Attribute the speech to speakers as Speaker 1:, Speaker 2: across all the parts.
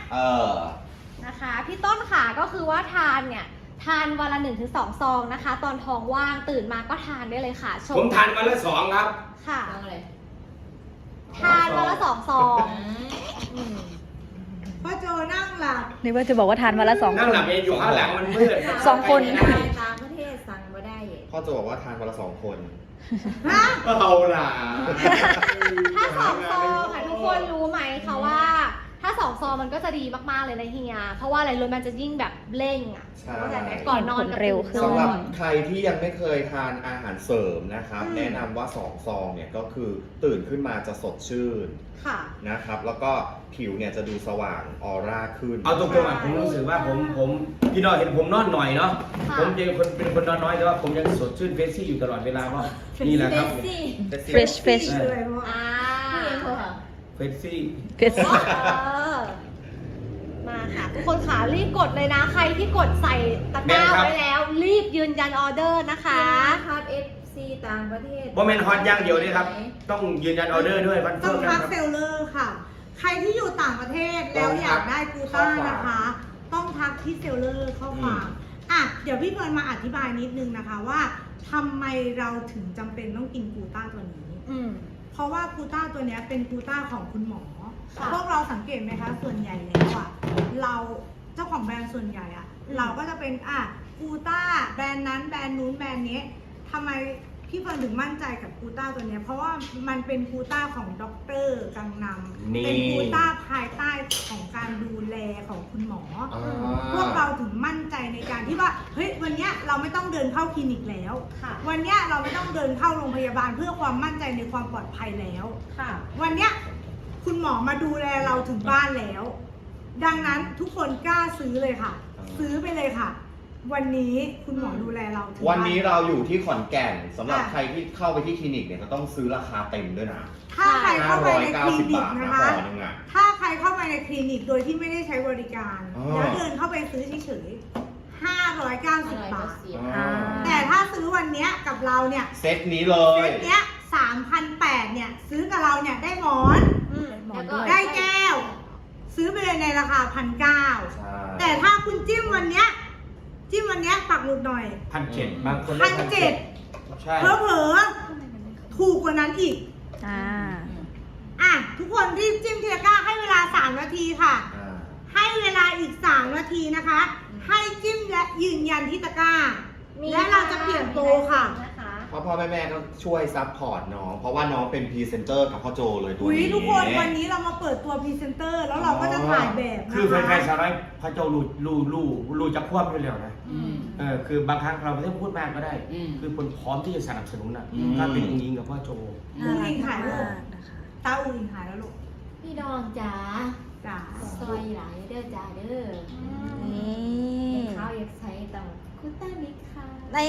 Speaker 1: นะคะพี่ต้นขาก็คือว่าทานเนี่ยทานวันละ1-2 ซองนะคะตอนท้องว่างตื่นมาก็ทานได้เลยค่ะ
Speaker 2: ผมทานวันละ2ครับ
Speaker 1: ค่ะทานวันละ2 ซอง
Speaker 3: พ่อโจนั่งหลับ
Speaker 4: นี่ว่าจะบอกว่าทานวันละ2 คน
Speaker 2: นั่งหลับเองอยู่ข้างหลังมันมืด
Speaker 4: 2 คน
Speaker 5: ต่างประเทศสั่งมาได้
Speaker 6: พ่อจะบอกว่าทานวันละ2 คน
Speaker 2: เอาล่ะ
Speaker 1: ถ้า2 ซองค่ะทุกคนรู้ไหมคะว่าถ้า2 ซองมันก็จะดีมากๆเลยนะเฮียเพราะว่าอะไรรู้มันจะยิ่งแบบเร่งอ่ะก่อนนอน
Speaker 4: เร็วขึ้น
Speaker 6: สำหรับใครที่ยังไม่เคยทานอาหารเสริมนะครับแนะนำว่า2 ซองเนี่ยก็คือตื่นขึ้นมาจะสดชื่นนะครับแล้วก็ผิวเนี่ยจะดูสว่างออร่าขึ้น
Speaker 2: เอาตรงๆผมรู้สึกว่าผมพี่น้อยเห็นผมนอนหน่อยเนาะผมเป็นคนนอนน้อยแต่ว่าผมยังสดชื่นเฟรชชี่อยู่ตลอดเวลาว่านี่แหละครับ
Speaker 4: fresh
Speaker 2: เฟรชชี่
Speaker 1: มาค่ะทุกคนขารีบกดเลยนะใครที่กดใส่ตะกร้าไว้แล้วรีบยืนยันออเดอร์นะคะ
Speaker 5: ฮอต FC ต่างประเทศ
Speaker 2: โมเมนต์ฮอตอย่างเดียวนี่ครับต้องยืนยันออเดอร์ด้วย
Speaker 3: ต้องทักเซลเลอร์ค่ะใครที่อยู่ต่างประเทศแล้วอยากได้กูต้านะคะต้องทักที่เซลเลอร์เข้ามาเดี๋ยวพี่เฟิร์นมาอธิบายนิดนึงนะคะว่าทำไมเราถึงจำเป็นต้องกินกูต้าตัวนี้เพราะว่ากูต้าตัวนี้เป็นกูต้าของคุณหมอพวกเราสังเกตไหมคะส่วนใหญ่แล้วเราเจ้าของแบรนด์ส่วนใหญ่เราก็จะเป็นกูต้าแบรนด์นั้นแบรนด์นู้นแบรนด์นี้ทำไมพี่เฟิร์นถึงมั่นใจกับกูต้าตัวนี้เพราะว่ามันเป็นกูต้าของด็อกเตอร์กังนำเป็นกูต้าภายใต้ของการดูแลของคุณหมอพวกเราถึงมั่นใจในการที่ว่าเฮ้ยวันนี้เราไม่ต้องเดินเข้าคลินิกแล้ววันนี้เราไม่ต้องเดินเข้าโรงพยาบาลเพื่อความมั่นใจในความปลอดภัยแล้ววันนี้คุณหมอมาดูแลเราถึงบ้านแล้วดังนั้นทุกคนกล้าซื้อเลยค่ะซื้อไปเลยค่ะวันนี้คุณหมอดูแลเราถึง
Speaker 6: วันนี้เราอยู่ที่ขอนแก่นสำหรับใครที่เข้าไปที่คลินิกเนี่ยจะต้องซื้อราคาเต็มด้วยนะ
Speaker 3: ถ้าใครเข้าไปในคลินิกนะคะถ้าใครเข้าไปในคลินิกโดยที่ไม่ได้ใช้บริการแล้วเดินเข้าไปซื้อเฉยๆ590 บาทแต่ถ้าซื้อวันนี้กับเราเนี่ย
Speaker 6: เซตนี้เลย
Speaker 3: เซตเนี้ย3,800เนี่ยซื้อกับเราเนี่ยได้หมอนได้แก้วซื้อไปเลยในราคา1,900แต่ถ้าคุณจิ้มวันเนี้ยปักหมุดหน่อย
Speaker 2: 1,700บางคน
Speaker 3: ได้1,700ใช่เผลอๆถูกกว่านั้นอีกทุกคนรีบจิ้มทีละก้าให้เวลา3 นาทีค่ะให้เวลาอีก3 นาทีนะคะให้จิ้มและยืนยันที่ตะกร้าและเราจะเปลี่ยนโปรค่ะ
Speaker 6: พ่อแม่ก็ช่วยซัพพอร์ตน้องเพราะว่าน้องเป็นพรีเซนเตอร์กับพ่อโจเลยตัวนี้
Speaker 3: ทุกคนวันนี้เรามาเปิดตัวพรีเซนเตอร์แล้วเราก็จะถ่ายแบบนะคะ
Speaker 2: คือแฟนๆชาวไร่พ่อโจรู้จะควบอยู่แล้วนะคือบางครั้งเราไม่ต้องพูดมากก็ได้คือคนพร้อมที่จะสนับสนุนถ้าเป็นอุ้งอิงกับพ่อโจ
Speaker 3: อุ้งอิงหายแล้วตาอุ้งอิงหายแล้วลูก
Speaker 5: พี่ดองจ๋าซอยหลายเด้อจ๋าเด้อนี่ข้าวอยากใช้ต่างคุต้านิค่ะ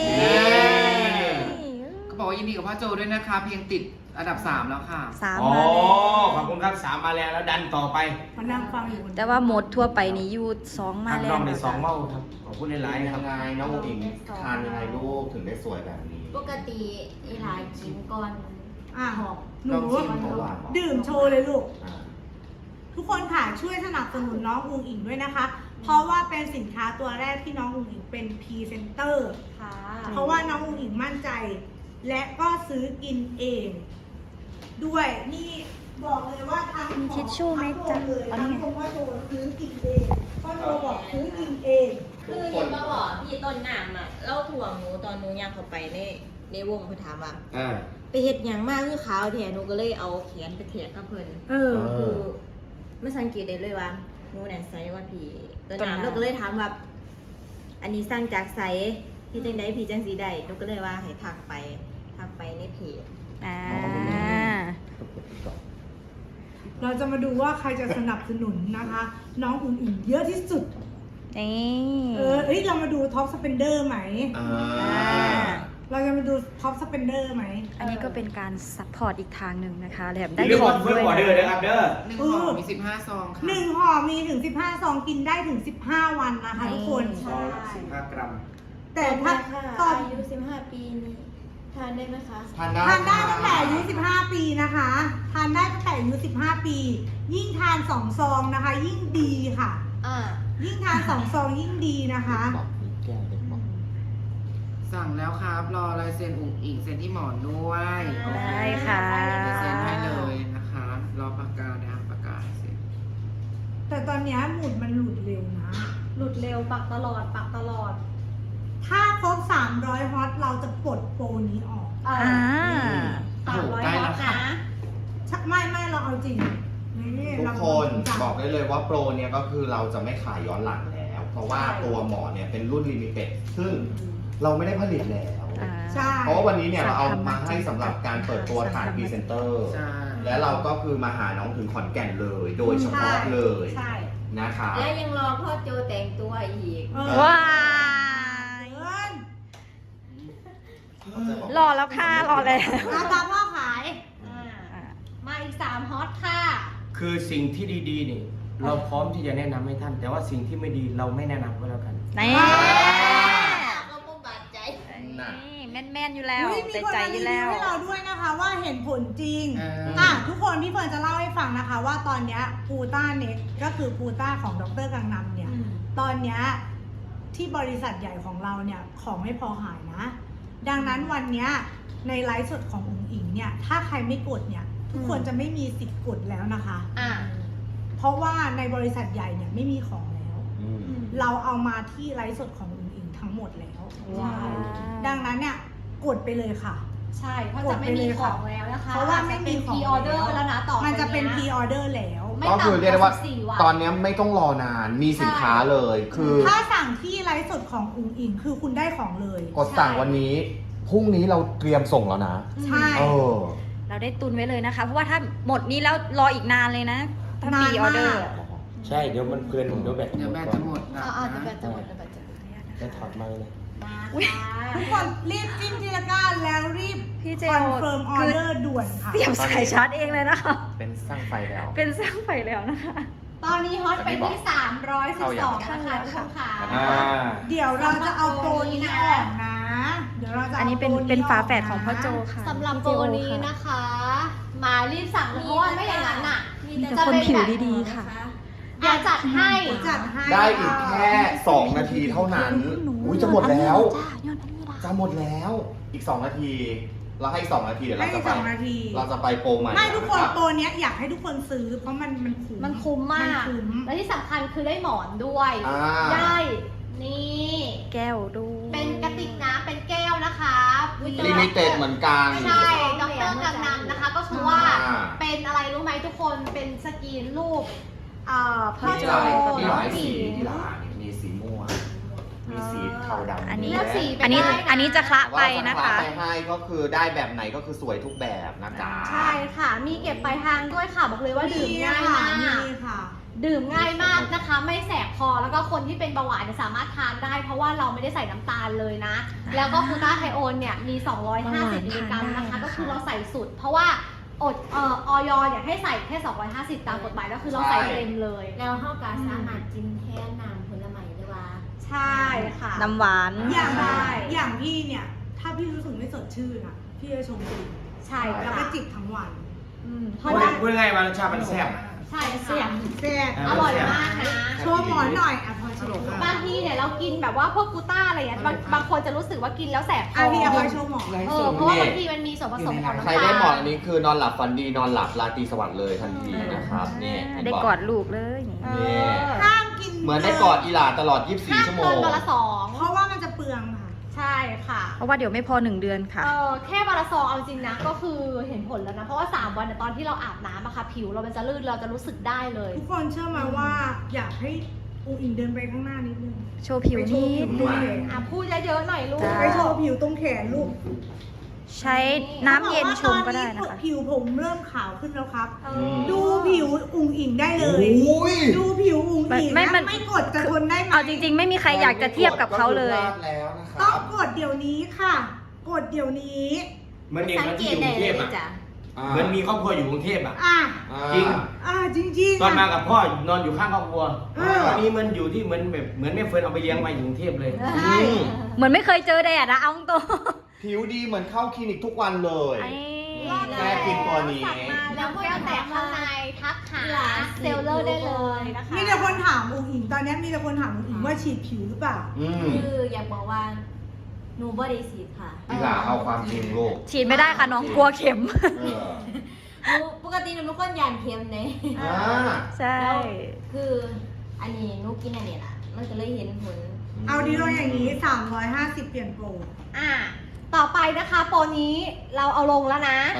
Speaker 7: ก็บอกว่ายินดีกับพ่อโจด้วยนะคะเพียงติดอันดับ3แล้วค่ะ
Speaker 4: 3มาแล้ว
Speaker 2: ขอบคุณครับ3มาแล้วดันต่อไป
Speaker 3: มานั่งฟังอยู่
Speaker 4: แต่ว่าหมดทั่วไปนี่ยู2มาแล้ว
Speaker 2: น้องใน2เมาครับขอบคุณหลายๆครับ
Speaker 6: น้องอิงทานยังไงลูกถึงได้สวยแบบนี้
Speaker 5: ปกติหลายกินก่อน
Speaker 3: หอมหนูดื่มโชว์เลยลูกทุกคนค่ะช่วยสนับสนุนน้องอุ้งอิงด้วยนะคะเพราะว่าเป็นสินค้าตัวแรกที่น้องอุ้งอิงเป็นพรีเซนเตอร์เพราะว่าน้องอุ้งอิงมั่นใจและก็ซื้อกินเองด้วยนี่บอกเลยว่าทาง
Speaker 4: ทิชชู่ไหมจ๊ะ
Speaker 3: อันนี้พ่อโจซื้อกินเองพ่อโจบอกซื้อกินเอง
Speaker 5: คือยินมาบอกพี่ต้นน้ำเล่าถ่วงหนูตอนหนูย่างเข้าไปในวงเพื่อถามว่าไปเห็ดอย่างมากคือขาวแทนหนูก็เลยเอาแขนไปเทียบกับเพิ่นคือไม่สังเกตได้เลยว่าหนูเนี่ยไซส์ว่าพี่ต้นน้ำเราก็เลยถามว่าอันนี้สร้างจากไซส์พี่จังได้พี่จังสีได้หนูก็เลยว่าให้ทักไปในเพจ
Speaker 3: เราจะมาดูว่าใครจะสนับสนุนนะคะน้องอุ้งอิงเยอะที่สุดเรามาดูท็อปสเปนเดอร์ไหมเราจะมาดูท็อปสเปนเดอร์ไหม
Speaker 4: อันนี้ก็เป็นการซัพพอร์ตอีกทางหนึ่งนะคะแถมได้
Speaker 2: ของด้วยนะครับ
Speaker 7: 1 ห่อมี15 ซองค่ะ
Speaker 3: 1 ห่อมีถึง15 ซองกินได้ถึง15 วันนะคะทุกคน
Speaker 2: 15 กรัม
Speaker 5: แต่ถ้าตอนอายุ15 ปีนี้ททานได้ไหมคะ
Speaker 6: ทานได้
Speaker 3: ทานได้ตั้งแต่อายุ15 ปีนะคะ ทานได้ตั้งแต่อายุ15 ปี ยิ่งทาน2 ซองนะคะ ยิ่งดีค่ะ ยิ่งทาน2 ซองยิ่งดีนะคะ
Speaker 2: บอกมีแก้วเด็กบอก
Speaker 7: สั่งแล้วครับ รอลายเซ็นอุ๋งอิงเซ็นที่หมอนด้วย
Speaker 4: ได้ค่ะ
Speaker 7: เดี๋ยวเซ็นให้เลยนะคะ รอปากกานะครับปากกาเซ็น
Speaker 3: แต่ตอนเนี้ยหมุดมันหลุดเร็วนะ
Speaker 1: หลุดเร็วปักตลอด
Speaker 3: ถ้าครบ300 ฮอตเราจะปลดโปรนี้ออก
Speaker 1: อ่า
Speaker 7: โอ้โห
Speaker 1: 300
Speaker 7: ใกล้
Speaker 1: ฮอ
Speaker 7: แล้
Speaker 1: ต
Speaker 7: วค่ะ
Speaker 1: นะ
Speaker 3: ไม่เราเอาจริงนี่
Speaker 6: ทุก
Speaker 3: เรา
Speaker 6: คน
Speaker 3: จริงจัง
Speaker 6: บอกได้เลยว่าโปรเนี่ยก็คือเราจะไม่ขายย้อนหลังแล้ว เพราะว่าตัวหมอนเนี่ยเป็นรุ่นลิมิเต็ดซึ่งเราไม่ได้ผลิตแล้ว
Speaker 3: ใช่
Speaker 6: เพราะว่าวันนี้เนี่ยเราเอามาให้สำหรับการเปิดตัวฐานพรีเซนเตอร์
Speaker 7: ใช่
Speaker 6: และเราก็คือมาหาน้องถึงขอนแก่นเลย โดยเฉพาะเลย
Speaker 1: ใช่
Speaker 6: นะคะ
Speaker 5: และยังรอพ่อโจแต่งตัวอีก
Speaker 4: ว้าย
Speaker 3: เอิ้น
Speaker 4: รอแล้วค่ะรอแล้ว
Speaker 3: ราคาพ่อขาย
Speaker 1: มาอีก3ฮอตค่ะ
Speaker 2: คือสิ่งที่ดีๆนี่เราพร้อมที่จะแนะนำให้ท่าน แต่ว่าสิ่งที่ไม่ดีเราไม่แนะนำก็แล้วกัน
Speaker 4: นี่
Speaker 5: ก็มุ่งบาดใจ
Speaker 4: แม่นๆอยู่แล้ว
Speaker 3: อุ๊ยมี
Speaker 4: ใจ
Speaker 3: คน
Speaker 4: ใจ
Speaker 3: มา
Speaker 4: อ
Speaker 3: รี
Speaker 4: ยู่
Speaker 3: วิ
Speaker 4: แล้ว ว
Speaker 3: ให้เราด้วยนะคะว่าเห็นผลจริง ทุกคนพี่เฟิร์นจะเล่าให้ฟังนะคะ ว่าตอนเนี้ยกูต้าเน็กก็คือกูต้าของดรกังนำเนี่ย ตอนเนี้ยที่บริษัทใหญ่ของเราเนี่ยของไม่พอหายนะ ดังนั้นวันเนี้ยในไลฟ์สดของอุ๋งอิงเนี่ยถ้าใครไม่กดเนี่ยทุกคนจะไม่มีสิทธิ์กดแล้วนะคะ เพราะว่าในบริษัทใหญ่เนี่ยไม่มีของแล้ว เราเอามาที่ไลฟ์สดของอุ๋งอิงทั้งหมดแล้ว
Speaker 4: ว้าว
Speaker 3: ดังนั้นเนี่ยกดไปเลยค่ะ
Speaker 1: ใช่เพราะจะไม่มีของแล้วนะคะ
Speaker 3: เพราะว่าไม่มีของ
Speaker 1: พรีออเดอร์แล้วนะต่อไป
Speaker 3: มันจะเป็น
Speaker 1: ย
Speaker 3: พรีออเดอร์แล้ว
Speaker 1: ไม่
Speaker 6: ก็
Speaker 1: ต่ำ
Speaker 6: คือเรียกได้ว่า
Speaker 1: 14 วัน
Speaker 6: ตอนนี้ไม่ต้องรอนานมีสินค้าเลย คือ
Speaker 3: ถ้าสั่งที่ไลฟ์สดของอุ๋งอิงคือคุณได้ของเลย
Speaker 6: กดสั่งวันนี้พรุ่งนี้เราเตรียมส่งแล้วนะ
Speaker 3: ใช่
Speaker 6: เออ
Speaker 4: เราได้ตุนไว้เลยนะคะ เพราะว่าถ้าหมดนี้แล้วรออีกนานเลยนะถ้ามีออเดอร์
Speaker 2: ใช่เดี๋ยวมันเพลินเดี๋ยวแบต
Speaker 7: เดี๋ยวแบตจะหมดนะ
Speaker 1: เดี๋ยวแบตจะหมดเดี๋ยวแบตจะหมด
Speaker 2: จะถอดมาเลย
Speaker 3: ทุกคนรีบจิ้มทีละก้าแล้วรีบ
Speaker 4: พี่เจ
Speaker 3: ค
Speaker 4: ล
Speaker 3: อนเฟิร์มออเดอร์ด่วนค่ะ
Speaker 4: เตรียมสายชาร์จเองเลยนะคะ
Speaker 6: เป็นสร้างไฟแล้ว
Speaker 4: เป็นสร้างไฟแล้วนะคะ
Speaker 1: ตอนนี้ฮอตไปที่312นะคะทุกคนค่ะ
Speaker 3: เดี๋ยวเราจะเอาโปรนี้ออกนะ เดี๋ยวเราจะ
Speaker 4: อันนี้เป็น
Speaker 3: โปร
Speaker 4: เป็นฝา
Speaker 3: ออก
Speaker 4: แฝดของพ่อโจค่ะ
Speaker 1: สำหรับโปรนี้นะคะ มารีบสั่งเลยเพราะว่าไม่อย่างนั้นน่ะ
Speaker 4: มีแต่คนผิวดีๆค่ะ
Speaker 1: เดี๋ยวจัดให้
Speaker 3: จัดให้
Speaker 6: ได้อีกแค่ 2 นาทีเท่านั้น อุ้ยจะหมดแล้ว
Speaker 4: จ้ายอดอันนี้ละ
Speaker 6: จะหมดแล้วอีก 2 นาที เราให้อีก 2 นาทีเดี๋ยว
Speaker 3: ให้
Speaker 6: เราจะ
Speaker 3: อีก
Speaker 6: ไป
Speaker 3: 2 นาที
Speaker 6: เราจะไปโปรใหม่
Speaker 3: ไม่ทุกคน
Speaker 6: รับ
Speaker 3: โปรเนี้ยอยากให้ทุกคนซื้อ เพราะมันคุ้ม
Speaker 1: มันคุ้มมาก
Speaker 3: นคุ้ม
Speaker 1: และที่สำคัญคือได้หมอนด้วย
Speaker 6: อ่า
Speaker 1: ได้นี่
Speaker 4: แก้วดู
Speaker 1: เป็นกระติกน้ำเป็นแก้วนะคะ
Speaker 6: ลิมิเต็ดเหมือนกัน
Speaker 1: ใช่ดรกังนำนะคะ ก็คือว่า
Speaker 6: อ่า
Speaker 1: เป็นอะไรรู้ไหมทุกคนเป็นสกรีนรูปพ่อ
Speaker 6: มี
Speaker 1: โจ
Speaker 6: หลาย
Speaker 1: น้อง
Speaker 6: สี
Speaker 1: ผิว
Speaker 6: ที่ร้านมีสีม่วงมีสีเทาดำ
Speaker 4: อันนี้
Speaker 1: เลือกสีไป
Speaker 4: อันนี้
Speaker 1: ได้นะ
Speaker 4: อันนี้จะคละไปนะคะ
Speaker 6: ว่าจไปให้ก็คือได้แบบไหนก็คือสวยทุกแบบนะจ๊ะ
Speaker 1: ใช่ค่ะ มีเก็บปลายทางด้วยค่ะ บอกเลยว่าดื่มง่ายมาก
Speaker 3: มีค่ะ
Speaker 1: ดื่มง่ายมากนะคะ ไม่แสบคอแล้วก็คนที่เป็นเบาหวานเนี่ยสามารถทานได้ เพราะว่าเราไม่ได้ใส่น้ำตาลเลยนะ แล้วก็คูต้าไทโอนเนี่ยมี 250 มิลลิกรัมนะคะ ก็คือเราใส่สุด เพราะว่าออยเนี่ยให้ใส่แค่ 250 ตามกฎหมายก็คือเราใส่เต็มเลย
Speaker 5: แล้วเข้ากาสามารถกินแทนน้ำผลไม้ได้ว่า
Speaker 1: ใช่ค่ะ
Speaker 4: น้ำหวาน
Speaker 3: อย่าง
Speaker 1: ใช่
Speaker 3: อย่างพี่เนี่ย ถ้าพี่รู้สึกไม่สดชื่นอ่ะ พี่จะชงดื่ม
Speaker 1: ใช่
Speaker 3: แล้ว
Speaker 1: ค่ะ
Speaker 3: ก็จิบทั้งวัน
Speaker 1: เพราะว่า
Speaker 2: พูดง่ายๆว่ารสชาติมันแซ่บ
Speaker 1: ใช่เสียง
Speaker 3: แซ่บ
Speaker 1: อร่อยมากนะ
Speaker 3: โชว์หมอนหน่อยอ่ะพอโชว์
Speaker 1: บางทีเนี่ยเรากินแบบว่าพวกกูต้าอะไรอย่างเงี้ยบางคนจะรู้สึกว่ากินแล้วแสบค
Speaker 3: อ่ะ
Speaker 1: อ
Speaker 3: พี่เอาไปโชว์หมอน
Speaker 1: เพราะว่าบางทีมันมีส่วนผสมของน้ำ
Speaker 6: ใคร
Speaker 1: ตาล
Speaker 6: ได้หมอนอันนี้คือนอนหลับฝันดีนอนหลับราตรีสวัสดิ์เลยทันทีนะครับนี่
Speaker 4: ได้กอดลูกเลยนี่
Speaker 6: นี่
Speaker 3: ห้ามกิน
Speaker 6: เหมือนได้กอดอีหลาตลอด
Speaker 1: ห้าม
Speaker 6: 24 ชั่วโม
Speaker 1: เกิ
Speaker 6: ง
Speaker 1: นวันละสอง
Speaker 3: เพราะว่ามันจะเปลืองค่ะ
Speaker 1: ใช่ค่ะ
Speaker 4: เพราะว่าเดี๋ยวไม่พอ1 เดือนค่ะ
Speaker 1: แค่วันละซองเอาจริงนะก็คือเห็นผลแล้วนะ เพราะว่า 3 วันเนี่ยตอนที่เราอาบน้ำอะค่ะผิวเรามันจะลื่นเราจะรู้สึกได้เลย
Speaker 3: ทุกคนเชื่อไหมาว่าอยากให้อุ๋งอิงเดินไปข้างหน้านิดนึง
Speaker 4: โชว์ผิว
Speaker 3: ไปโช
Speaker 4: นิ
Speaker 3: ว์ผิ
Speaker 4: ด
Speaker 3: วตรงแขน
Speaker 1: พูดเยอะๆหน่อยลูก
Speaker 4: จ้า
Speaker 3: ไปโชว์ผิวตรงแขนลูก
Speaker 4: ใช้น้ำเย็นชงก็ได้นะคะ
Speaker 3: ผิวผมเริ่มขาวขึ้นแล้วครับ
Speaker 6: ม
Speaker 3: ดูผิวอุ๋งอิงได้เลย
Speaker 6: อุ้ย
Speaker 3: ดูผิวอุ๋งอิง
Speaker 4: ไม่
Speaker 3: นะ
Speaker 4: มัน
Speaker 3: ไม่กดจะทนได้ไหม
Speaker 4: เอาจริง ๆ ไม่มีใครอยากจะเทียบกับเขาเลย
Speaker 6: ก็คือพลาดแล้วนะค
Speaker 3: ต้อ
Speaker 6: รั
Speaker 3: ง
Speaker 6: บ
Speaker 3: กดเดี๋ยวนี้ค่ะ กดเดี๋ยวนี้
Speaker 2: เหมือนเด็ก
Speaker 5: สัง
Speaker 2: มัน
Speaker 5: เก
Speaker 2: ที่อ
Speaker 5: ต
Speaker 2: ยู่ก
Speaker 5: ได้
Speaker 2: รุงเท
Speaker 5: เล
Speaker 2: พ
Speaker 5: ย
Speaker 2: อ่ะ
Speaker 5: จ้ะ
Speaker 2: เหมือนมีครอบครัวอยู่กรุงเทพอ่ะ
Speaker 3: อ่ะ
Speaker 2: จริง
Speaker 3: จริงๆ
Speaker 2: ตอนมา
Speaker 3: ค่ะ
Speaker 2: กับพ่อนอนอยู่ข้างครอบครัว
Speaker 3: เออ
Speaker 2: วันนี้มันอยู่ที่เหมือนแบบเหมือนแม่เฟิร์นเอาไปเลี้ยงมาอยู่กรุงเทพเลย
Speaker 3: ใช่
Speaker 4: เหมือนไม่เคยเจอแดดนะเอาตรง
Speaker 6: ผิวดีเหมือนเข้าคลินิกทุกวันเลย
Speaker 4: ไอ้
Speaker 6: แค่กินตัวนี้
Speaker 1: แล้วแก้วแตกข้างในทักหาเซลเลอร์ได้เลยนะคะ
Speaker 3: มีแต่คนถามอุ๋งอิงตอนนี้มีแต่คนถามอุ๋งอิงว่าฉีดผิวหรือเปล่า
Speaker 5: คืออยากบอกว่าหนูบ่ได้ฉีดค่ะ
Speaker 6: อีหล่าเอาความจริงลูก
Speaker 4: ฉีดไม่ได้ค่ะน้องกลัวเข็ม
Speaker 6: เออ
Speaker 5: หนูปกติหนูเป็นคนยานเค็มเลย
Speaker 6: อ่า
Speaker 4: ใช่
Speaker 5: แล้วคืออันนี้หนูกินอันนี้ล่ะ มันก็เลยเห็นผล
Speaker 3: เอาดีลงอย่างนี้ 350 เปลี่ยนโปร
Speaker 1: ต่อไปนะคะโปรนี้เราเอาลงแล้วนะ